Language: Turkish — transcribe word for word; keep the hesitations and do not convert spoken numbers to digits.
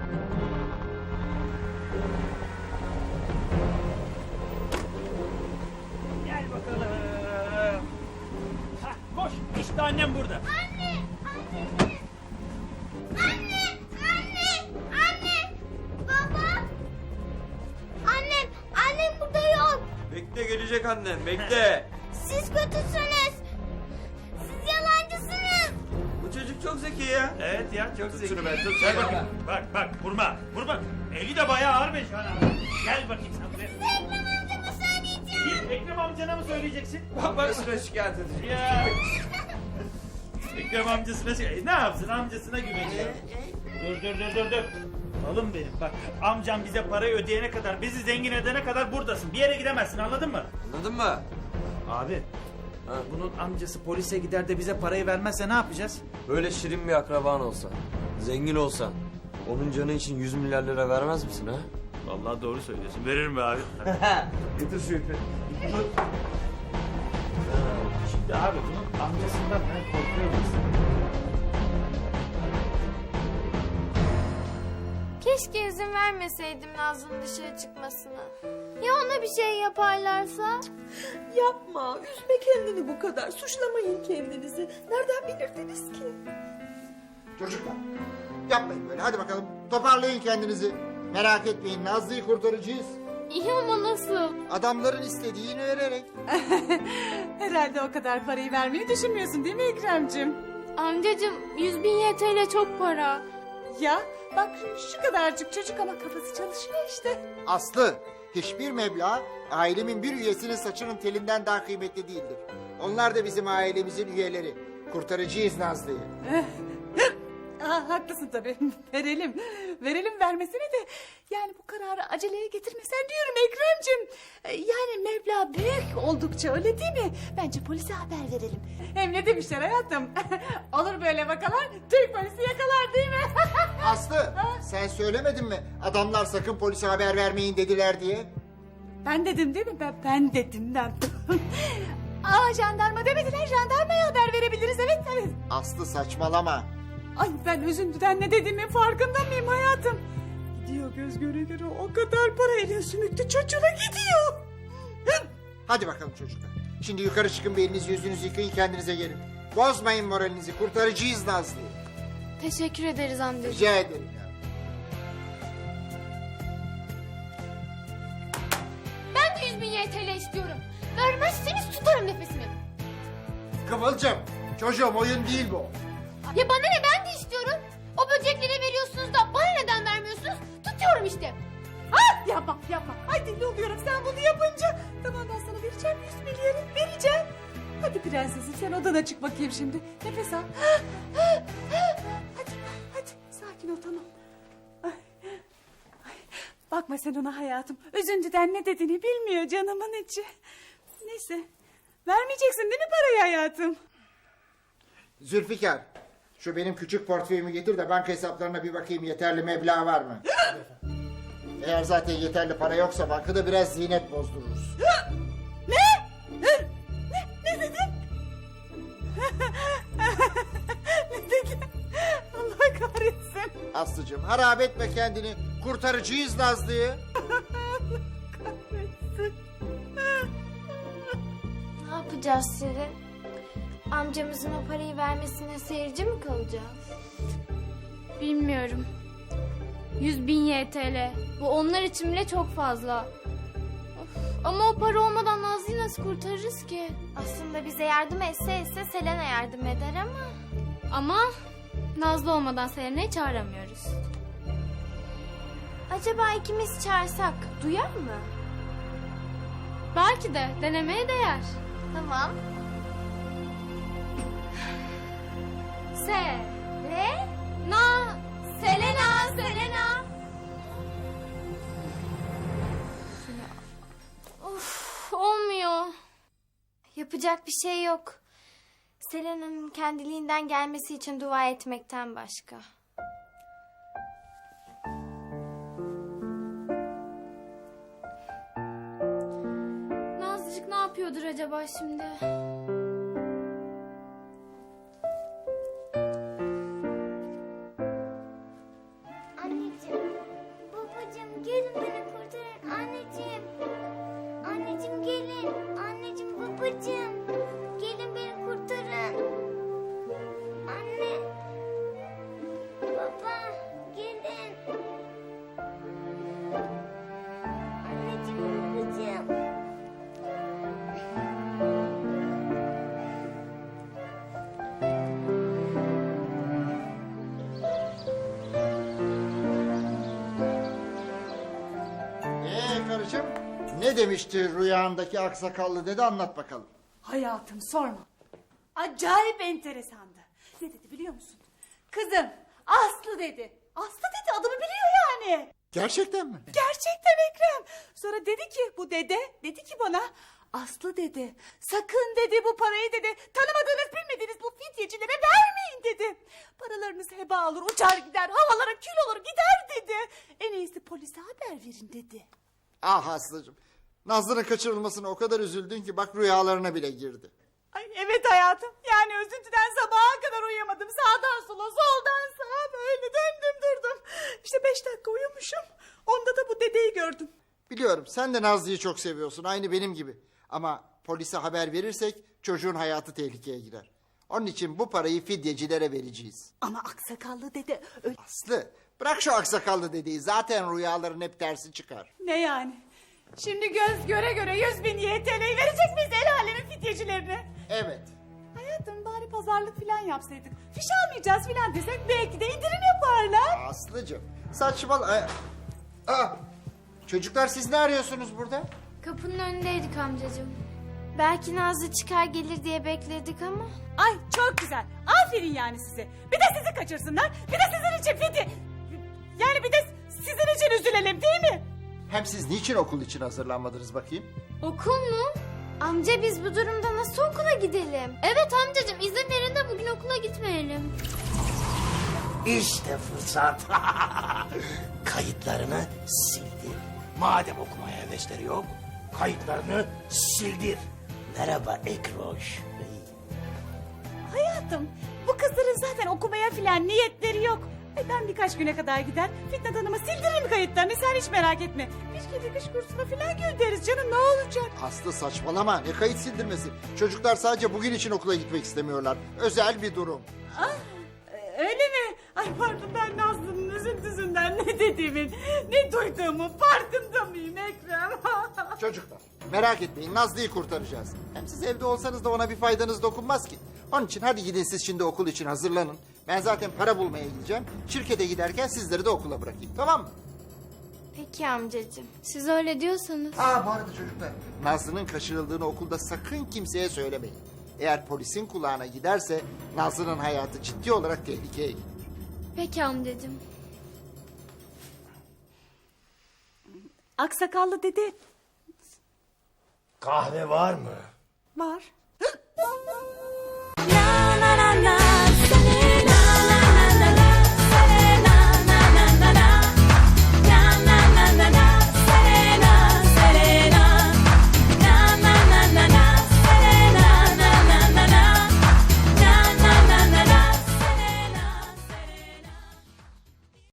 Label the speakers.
Speaker 1: Gel bakalım. Hah, koş. İşte annem burada.
Speaker 2: Anne! Anneciğim! Anne! Anne! Anne! Baba! Annem! Annem burada yok.
Speaker 3: Bekle, gelecek annen, bekle.
Speaker 2: Siz kötüsünüz. Siz yalancısınız.
Speaker 3: Bu çocuk çok zeki ya.
Speaker 1: Evet ya, çok
Speaker 3: Tut
Speaker 1: zeki.
Speaker 3: şunu be, tut
Speaker 1: Gel
Speaker 3: şunu.
Speaker 1: bakayım. Bak bak, vurma. Vurma. Eli de bayağı ağır be şu an. Gel bakayım sen buraya.
Speaker 2: Ekrem amcama söyleyeceğim.
Speaker 1: Git, Ekrem amcana mı söyleyeceksin?
Speaker 3: Babasına şikayet edecek.
Speaker 1: Ya. Ekrem amcasına şey, ne yapsın, amcasına güveniyor. Dur dur dur dur dur. Oğlum benim bak, amcam bize parayı ödeyene kadar, bizi zengin edene kadar buradasın. Bir yere gidemezsin, anladın mı?
Speaker 3: Anladın mı?
Speaker 1: Abi,
Speaker 3: Ha.
Speaker 1: bunun amcası polise gider de bize parayı vermezse ne yapacağız?
Speaker 3: Böyle şirin bir akraban olsa, zengin olsan, onun canı için yüz milyar lira vermez misin ha?
Speaker 1: Vallahi doğru söylüyorsun, veririm be abi.
Speaker 3: Getir şu ipi.
Speaker 1: Şimdi abi bunun amcasından ben korkuyorum.
Speaker 2: Keşke izin vermeseydim Nazlı'nın dışarı çıkmasına. Ya ona bir şey yaparlarsa?
Speaker 4: Yapma, üzme kendini bu kadar. Suçlamayın kendinizi. Nereden bilirdiniz ki?
Speaker 5: Çocuklar yapmayın böyle, hadi bakalım toparlayın kendinizi. Merak etmeyin, Nazlı'yı kurtaracağız.
Speaker 2: İyi ama nasıl?
Speaker 5: Adamların istediğini vererek.
Speaker 4: Herhalde o kadar parayı vermeyi düşünmüyorsun değil mi Ekrem'cim?
Speaker 2: Amcacığım yüz bin Y T L çok para.
Speaker 4: Ya bak şu kadarcık çocuk ama kafası çalışıyor işte.
Speaker 5: Aslı, hiçbir meblağ ailemin bir üyesinin saçının telinden daha kıymetli değildir. Onlar da bizim ailemizin üyeleri. Kurtaracağız Nazlı'yı.
Speaker 4: Aa, haklısın tabii. Verelim. Verelim vermesine de. Yani bu kararı aceleye getirmesen diyorum Ekrem'cim. Ee, Yani meblağ büyük oldukça öyle değil mi? Bence polise haber verelim. Hem ne demişler hayatım? Olur böyle vakalar Türk polisi yakalar değil mi?
Speaker 5: Aslı, sen söylemedin mi? Adamlar sakın polise haber vermeyin dediler diye.
Speaker 4: Ben dedim değil mi? Ben, ben dedim ben. Aa jandarma demediler. Jandarmaya haber verebiliriz. Evet evet.
Speaker 5: Aslı saçmalama.
Speaker 4: Ay ben üzüntüden ne dediğimin farkında mıyım hayatım? Gidiyor göz göre göre o kadar para elin sümüklü çocuğuna gidiyor.
Speaker 5: Hadi bakalım çocuklar. Şimdi yukarı çıkın, bir elinizi yüzünüzü yıkayın, kendinize gelin. Bozmayın moralinizi, kurtaracağız Nazlı'yı.
Speaker 2: Teşekkür ederiz amcacığım.
Speaker 5: Rica ederim ya.
Speaker 2: Ben de yüz bin Y T L istiyorum. Vermezseniz tutarım nefesimi.
Speaker 5: Kıvılcım, çocuğum oyun değil bu.
Speaker 2: Ya bana ne, ben de istiyorum. O böceklere veriyorsunuz da bana neden vermiyorsunuz? Tutuyorum işte.
Speaker 4: Ha yapma yapma. Ay deli oluyorum sen bunu yapınca. Tamam ben sana vereceğim yüz milyarı vereceğim. Hadi prensesim sen odana çık bakayım şimdi. Nefes al. Hadi hadi sakin ol tamam. Ay, ay. Bakma sen ona hayatım. Üzüntüden ne dediğini bilmiyor canımın içi. Neyse vermeyeceksin değil mi parayı hayatım?
Speaker 5: Zülfikar, şu benim küçük portföyümü getir de banka hesaplarına bir bakayım, yeterli meblağ var mı? Eğer zaten yeterli para yoksa bankada biraz ziynet bozdururuz.
Speaker 4: Ne? Ne? Ne dedin? Ne dedin? Allah kahretsin.
Speaker 5: Aslıcığım harap etme kendini, kurtaracağız Nazlı'yı.
Speaker 4: Kahretsin.
Speaker 2: Ne yapacağız Selin? Amcamızın o parayı vermesine seyirci mi kalacağız?
Speaker 6: Bilmiyorum. Yüz bin Y T L. Bu onlar için bile çok fazla. Of, ama o para olmadan Nazlı'yı nasıl kurtarırız ki?
Speaker 2: Aslında bize yardım etse etse Selena yardım eder ama...
Speaker 6: Ama Nazlı olmadan Selena'yı çağıramıyoruz.
Speaker 2: Acaba ikimiz çağırsak duyar mı?
Speaker 6: Belki de denemeye değer.
Speaker 2: Tamam.
Speaker 6: Se.
Speaker 2: Ne?
Speaker 6: Na.
Speaker 2: Selena, Selena.
Speaker 6: Of, olmuyor.
Speaker 2: Yapacak bir şey yok. Selena'nın kendiliğinden gelmesi için dua etmekten başka.
Speaker 6: Nazlıcık ne yapıyordur acaba şimdi?
Speaker 2: Anneciğim.
Speaker 5: Ne demişti rüyandaki aksakallı dede, anlat bakalım.
Speaker 4: Hayatım sorma. Acayip enteresandı. Ne dedi biliyor musun? Kızım Aslı dedi. Aslı dedi, adımı biliyor yani.
Speaker 5: Gerçekten mi?
Speaker 4: Gerçekten Ekrem. Sonra dedi ki bu dede, dedi ki bana, Aslı dedi, sakın dedi bu parayı dedi tanımadığınız bilmediğiniz bu fidyecilere vermeyin dedi. Paralarınız heba olur, uçar gider, havalara kül olur gider dedi. En iyisi polise haber verin dedi.
Speaker 5: Ah Aslı'cığım. Nazlı'nın kaçırılmasına o kadar üzüldün ki bak rüyalarına bile girdi.
Speaker 4: Ay evet hayatım, yani üzüntüden sabaha kadar uyuyamadım. Sağdan sola, soldan sağa böyle döndüm durdum. İşte beş dakika uyumuşum. Onda da bu dedeyi gördüm.
Speaker 5: Biliyorum sen de Nazlı'yı çok seviyorsun, aynı benim gibi. Ama polise haber verirsek çocuğun hayatı tehlikeye girer. Onun için bu parayı fidyecilere vereceğiz.
Speaker 4: Ama aksakallı dede öyle...
Speaker 5: Aslı bırak şu aksakallı dediği, zaten rüyaların hep tersi çıkar.
Speaker 4: Ne yani? Şimdi göz göre göre yüz bin Y T L'yi verecek miyiz el alemin fidyecilerine?
Speaker 5: Evet.
Speaker 4: Hayatım bari pazarlık falan yapsaydık. Fiş almayacağız falan desek belki de indirim yaparlar.
Speaker 5: Aslı'cığım saçmal... Aa, çocuklar siz ne arıyorsunuz burada?
Speaker 2: Kapının önündeydik amcacığım. Belki Nazlı çıkar gelir diye bekledik ama.
Speaker 4: Ay çok güzel. Aferin yani size. Bir de sizi kaçırsınlar. Bir de sizin için fidye... Yani bir de sizin için üzülelim değil mi?
Speaker 5: Hem siz niçin okul için hazırlanmadınız bakayım?
Speaker 2: Okul mu? Amca biz bu durumda nasıl okula gidelim?
Speaker 6: Evet amcacığım, izin verin de bugün okula gitmeyelim.
Speaker 7: İşte fırsat. Kayıtlarını sildir. Madem okumaya hevesleri yok, kayıtlarını sildir. Merhaba Ekroş.
Speaker 4: Hayatım bu kızların zaten okumaya falan niyetleri yok. E ben birkaç güne kadar gider Fitnat Hanım'a sildiririm kayıtlarını, sen hiç merak etme. Bir kedi kış kursuna falan göndeririz canım, ne olacak?
Speaker 5: Aslı saçmalama, ne kayıt sildirmesi. Çocuklar sadece bugün için okula gitmek istemiyorlar. Özel bir durum.
Speaker 4: Ah, e, öyle mi? Ay pardon, ben Nazlı'nın üzüntüsünden ne dediğimin, ne duyduğumun farkında mıyım Ekrem?
Speaker 5: Çocuklar merak etmeyin, Nazlı'yı kurtaracağız. Hem siz evde olsanız da ona bir faydanız dokunmaz ki. Onun için hadi gidin siz şimdi okul için hazırlanın. Ben zaten para bulmaya gideceğim. Şirkete giderken sizleri de okula bırakayım, tamam mı?
Speaker 2: Peki amcacığım.
Speaker 6: Siz öyle diyorsanız.
Speaker 5: Aa bu arada çocuklar, Nazlı'nın kaçırıldığını okulda sakın kimseye söylemeyin. Eğer polisin kulağına giderse Nazlı'nın hayatı ciddi olarak tehlikeye girer.
Speaker 6: Peki amcacığım.
Speaker 4: Aksakallı dede
Speaker 7: Kahve var mı?
Speaker 4: var.